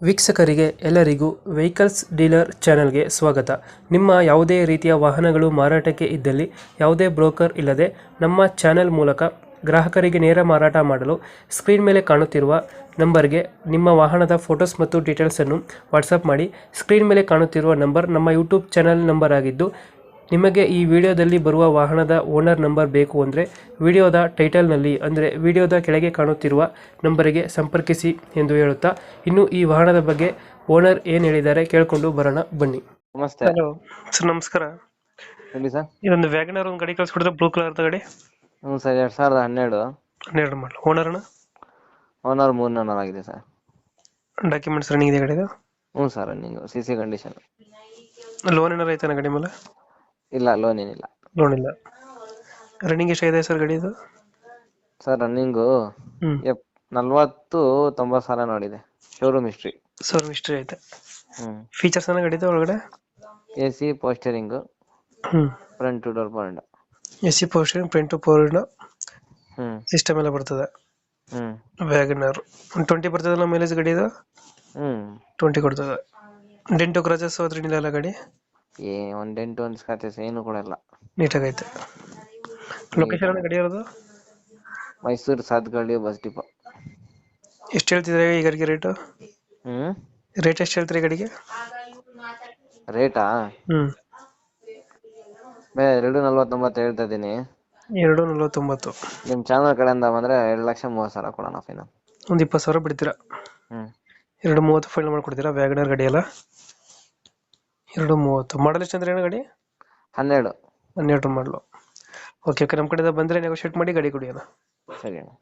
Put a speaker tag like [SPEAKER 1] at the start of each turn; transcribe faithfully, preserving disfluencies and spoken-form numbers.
[SPEAKER 1] ವೀಕ್ಷಕರಿಗೆ ಎಲ್ಲರಿಗೂ vehicles dealer ಚಾನೆಲ್ಗೆ ಸ್ವಾಗತ. ನಿಮ್ಮ ಯಾವುದೇ ರೀತಿಯ ವಾಹನಗಳು ಮಾರಾಟಕ್ಕೆ ಇದ್ದಲ್ಲಿ ಯಾವುದೇ ಬ್ರೋಕರ್ ಇಲ್ಲದೆ ನಮ್ಮ ಚಾನೆಲ್ ಮೂಲಕ ಗ್ರಾಹಕರಿಗೆ ನೇರ ಮಾರಾಟ ಮಾಡಲು ಸ್ಕ್ರೀನ್ ಮೇಲೆ ಕಾಣುತ್ತಿರುವ ನಂಬರ್ಗೆ ನಿಮ್ಮ ವಾಹನದ ಫೋಟೋಸ್ ಮತ್ತು ಡೀಟೇಲ್ಸನ್ನು ವಾಟ್ಸಪ್ ಮಾಡಿ. ಸ್ಕ್ರೀನ್ ಮೇಲೆ ಕಾಣುತ್ತಿರುವ ನಂಬರ್ ನಮ್ಮ ಯೂಟ್ಯೂಬ್ ಚಾನೆಲ್ ನಂಬರ್ ಆಗಿದ್ದು, ನಿಮಗೆ ಈ ವಿಡಿಯೋದಲ್ಲಿ ಬರುವ ವಾಹನದ ಓನರ್ ನಂಬರ್ ಬೇಕು ಅಂದರೆ ವಿಡಿಯೋದ ಟೈಟಲ್ನಲ್ಲಿ ಅಂದರೆ ವಿಡಿಯೋದ ಕೆಳಗೆ ಕಾಣುತ್ತಿರುವ ನಂಬರಿಗೆ ಸಂಪರ್ಕಿಸಿ ಎಂದು ಹೇಳುತ್ತಾ, ಇನ್ನು ಈ ವಾಹನದ ಬಗ್ಗೆ ಓನರ್ ಏನು ಹೇಳಿದ್ದಾರೆ ಕೇಳಿಕೊಂಡು ಬರೋಣ ಬನ್ನಿ.
[SPEAKER 2] ನಮಸ್ತೆ.
[SPEAKER 1] ಹಲೋ ಸರ್, ನಮಸ್ಕಾರ.
[SPEAKER 2] ಹೇಳಿ ಸರ್.
[SPEAKER 1] ಇದೊಂದು ವ್ಯಾಗನರ್ ಒಂದು ಗಾಡಿ ಕಳಿಸ್ಕೊಡಿದ್ರೆ, ಬ್ಲೂ ಕಲರ್ ಗಾಡಿ,
[SPEAKER 2] ಹ್ಞೂ ಸರ್, ಎರಡ್ ಸಾವಿರದ ಹನ್ನೆರಡು
[SPEAKER 1] ಹನ್ನೆರಡು ಮಾಡಲು. ಓನರ್ನ
[SPEAKER 2] ಓನರ್ ಮೂರ್ ನನ್ನರ್ ಆಗಿದೆ ಸರ್.
[SPEAKER 1] ಡಾಕ್ಯುಮೆಂಟ್ಸ್ ರನ್ನಿಂಗ್ ಇದೆ ಗಾಡಿದು?
[SPEAKER 2] ಹ್ಞೂ sir, running C C condition.
[SPEAKER 1] Loan ಏನಾರು ಐತಾನ ಗಾಡಿ ಮೇಲೆ?
[SPEAKER 2] ಇಲ್ಲ, ಲೋನ್ ಏನಿಲ್ಲ.
[SPEAKER 1] ಲೋನ್ ಇಲ್ಲ. ರನ್ನಿಂಗ್ ಎಷ್ಟಾಗಿದೆ ಸರ್ ಗಾಡಿದು?
[SPEAKER 2] ಸರ್ ರನ್ನಿಂಗು
[SPEAKER 1] ಹ್ಮ್
[SPEAKER 2] ಎಪ್ ನಲ್ವತ್ತು ತೊಂಬತ್ತು ಸಾವಿರ ನೋಡಿದೆ. Showroom history.
[SPEAKER 1] ಸರ್ ಮಿಸ್ಟ್ರಿ ಐತೆ.
[SPEAKER 2] ಹ್ಮ್
[SPEAKER 1] ಫೀಚರ್ಸ್ ಏನ ಗಾಡಿದು ಒಳಗಡೆ?
[SPEAKER 2] A C power steering,
[SPEAKER 1] hmm
[SPEAKER 2] front door point.
[SPEAKER 1] A C power steering, print board
[SPEAKER 2] hmm
[SPEAKER 1] system ಎಲ್ಲ ಬರ್ತದೆ.
[SPEAKER 2] ಹ್ಮ್
[SPEAKER 1] ವ್ಯಾಗನರ್ ಒಂದು ಟ್ವೆಂಟಿ ಬರ್ತದಲ್ಲ ಮೈಲೇಜ್ ಗಾಡಿದು?
[SPEAKER 2] ಹ್ಮ್
[SPEAKER 1] ಟ್ವೆಂಟಿ ಕೊಡ್ತದೆ. ಡೆಂಟು ಕ್ರಾಚಸ್ ಹೋದ್ರೆ ಏನಿಲ್ಲ ಗಾಡಿ?
[SPEAKER 2] ಏ ಒಂದ್ ಎಂಟು ಒಂದ್ ಸ್ಕ್ರಾಚಸ್ ಏನು ಕೊಡಲ್ಲ.
[SPEAKER 1] ನೀಟಾಗೈತೆ. ಲೊಕೇಶನ್ ಗಾಡಿ ಇರೋದು?
[SPEAKER 2] Mysuru Sathagalli bus depot.
[SPEAKER 1] ಎಷ್ಟು ಹೇಳ್ತಿದ್ರೆ ಈ ಗಾಡಿಗೆ ರೇಟು?
[SPEAKER 2] ಹ್ಮ್
[SPEAKER 1] ರೇಟ್ ಎಷ್ಟು ಹೇಳ್ತೀರಿ ಗಾಡಿಗೆ?
[SPEAKER 2] ರೇಟಾ
[SPEAKER 1] ಹ್ಮ್
[SPEAKER 2] ಬೇ ಎರಡು ನಲ್ವತ್ತೊಂಬತ್ತು ಹೇಳ್ತಾ ಇದೀನಿ.
[SPEAKER 1] ಎರಡು ನಲ್ವತ್ತೊಂಬತ್ತು.
[SPEAKER 2] ನಿಮ್ ಚಾನಲ್ ಕಡೆಯಿಂದ ಬಂದ್ರೆ ಎರಡು ಲಕ್ಷ ಮೂವತ್ತು ಸಾವಿರ ಕೊಡೋಣ ಫೈನಲ್.
[SPEAKER 1] ಒಂದು ಇಪ್ಪತ್ತು ಸಾವಿರ ಬಿಡ್ತೀರಾ?
[SPEAKER 2] ಹ್ಮ್
[SPEAKER 1] ಎರಡು ಮೂವತ್ತು ಫೈನಲ್ ಮಾಡ್ಕೊಡ್ತೀರಾ? ವ್ಯಾಗನರ್ ಗಾಡಿ ಅಲ್ಲ? ಎರಡು ಮೂವತ್ತು. ಮಾಡಲ್ ಎಷ್ಟು ಅಂದ್ರೆ ಏನು ಗಾಡಿ?
[SPEAKER 2] ಹನ್ನೆರಡು.
[SPEAKER 1] ಹನ್ನೆರಡು ಮಾಡಲು. ಓಕೆ ಓಕೆ, ನಮ್ಮ ಕಡೆಯಿಂದ ಬಂದರೆ ನೆಗೋಷಿಯೇಟ್ ಮಾಡಿ ಗಾಡಿ ಕೊಡಿ ಅಣ್ಣ.
[SPEAKER 2] ಸರಿ ಅಣ್ಣ.